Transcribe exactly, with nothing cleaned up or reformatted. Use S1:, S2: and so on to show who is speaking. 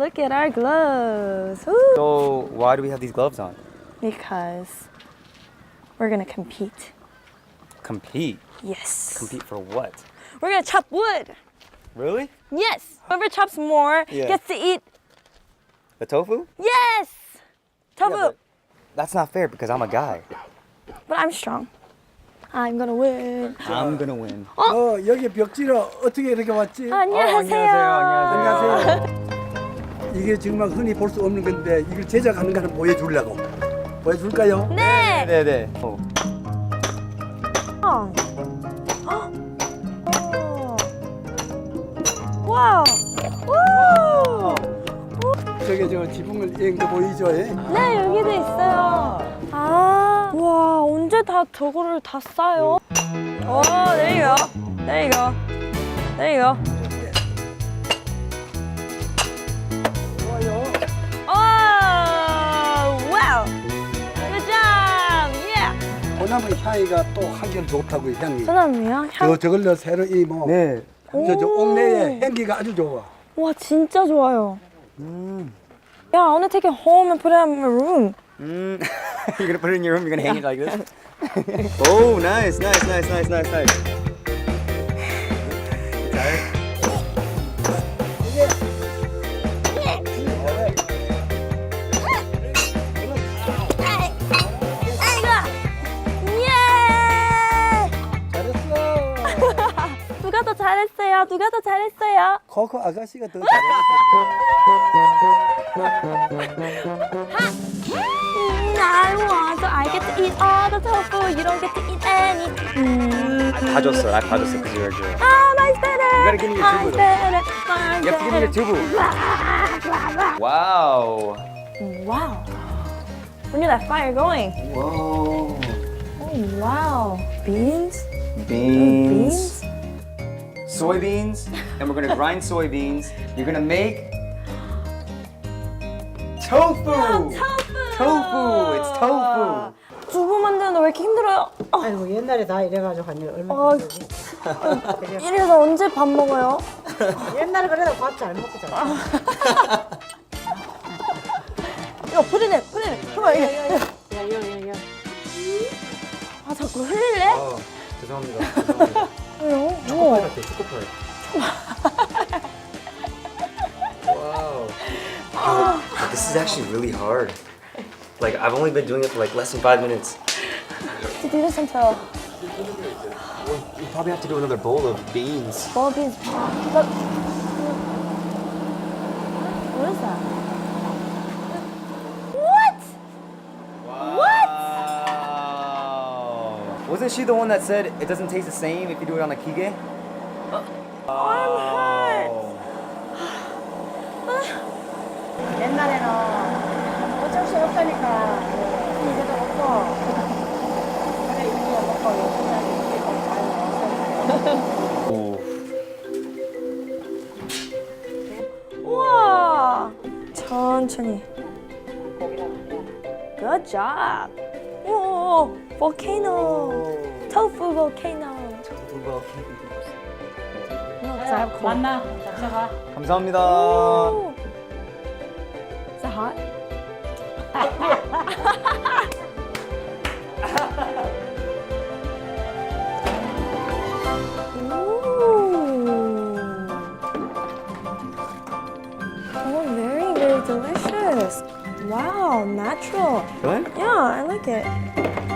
S1: look at our gloves. Ooh.
S2: So why do we have these gloves on?
S1: Because we're gonna compete.
S2: Compete.
S1: Yes.
S2: Compete for what?
S1: We're gonna chop wood.
S2: Really?
S1: Yes. Whoever chops more
S2: Yeah.
S1: gets to eat.
S2: The tofu?
S1: Yes. Tofu.
S2: Yeah, but that's not fair because I'm a guy.
S1: but I'm strong. I'm gonna win.
S2: I'm gonna win.
S3: 어, 여기 벽지로 어떻게 이렇게 왔지?
S1: 안녕하세요.
S3: 안녕하세요. 이게 정말 흔히 볼 수 없는 건데 이걸 제작하는 거는 보여주려고. 보여줄까요?
S1: 네.
S2: 네네. 어.
S1: 어. 어. 와우. 우.
S3: 저게 저 지붕을 이런 거 보이죠? 예?
S1: 네, 여기도 있어요. 아, 와, 언제 다 저거를 다 싸요? 오, there you go. There you go. There you go.
S3: 좋아요.
S1: 오, 와우. Good job. Yeah.
S3: 소나무 향이가 또 한결 좋다고 향이.
S1: 소나무요?
S3: 저
S1: 향.
S3: 저걸로 새로 이뭐
S2: 네.
S3: 저, 저 옥내에 향기가 아주 좋아.
S1: 와, 진짜 좋아요.
S2: 음.
S1: Yeah, I want to take it home and put it in my room.
S2: Mm. You're gonna put it in your room. You're gonna hang it like this. Oh, nice, nice, nice, nice, nice, nice. Tired?
S1: 예!
S3: 잘했어.
S1: 누가 더 잘했어요? 누가 더 잘했어요?
S3: 코코 아가씨가 더
S1: 음, I want, so I get to eat all the tofu. You don't get to eat any. 음.
S2: 다 줬어. 나 다 줬어 because you're a girl.
S1: Ah, mine's better.
S2: You gotta give me your
S1: Mine's
S2: tubu.
S1: better. Mine's
S2: You have to give me your tubu. Wow.
S1: Wow. Look at that fire going.
S2: Whoa.
S1: Oh, wow. Beans?
S2: Beans. Soybeans. And we're gonna grind soybeans. You're gonna make tofu.
S1: tofu.
S2: Tofu. It's tofu.
S1: 두부 만드는데 왜 이렇게 힘들어요? 어,
S4: 아이고 옛날에 다 이래가지고 한 일 얼마
S1: 어, 이래서 언제 밥 먹어요?
S4: 옛날에 그래도 밥 잘 먹고 잘 먹고.
S1: 이거 뿌리네, 뿌리네. 잠깐만, 이게.
S4: 야야야야
S1: 아, 자꾸 흘릴래?
S2: 어, 죄송합니다. 죄송합니다.
S1: 왜요?
S2: 초코파이
S1: 우와.
S2: 같아. 초코파이. Wow. This is actually really hard. Like I've only been doing it for like less than five minutes.
S1: To do this until
S2: We probably have to do another bowl of beans.
S1: ball beans. Look. What is that? What? What?
S2: Wow. Wasn't she the one that said it doesn't taste the same if you do it on the kige?
S1: I'm hurt.
S4: 옛날에는 어쩔 수 없다니까 이제도 먹고 그래 이거 먹고 요즘에 이렇게 잘
S1: 우와. 천천히. Good job. 오, volcano. Tofu volcano.
S4: 오. 만나 잡숴가
S2: 감사합니다.
S1: Ooh. Is that hot? Ooh. Oh, very, very delicious. Wow, natural.
S2: Good?
S1: Yeah, I like it.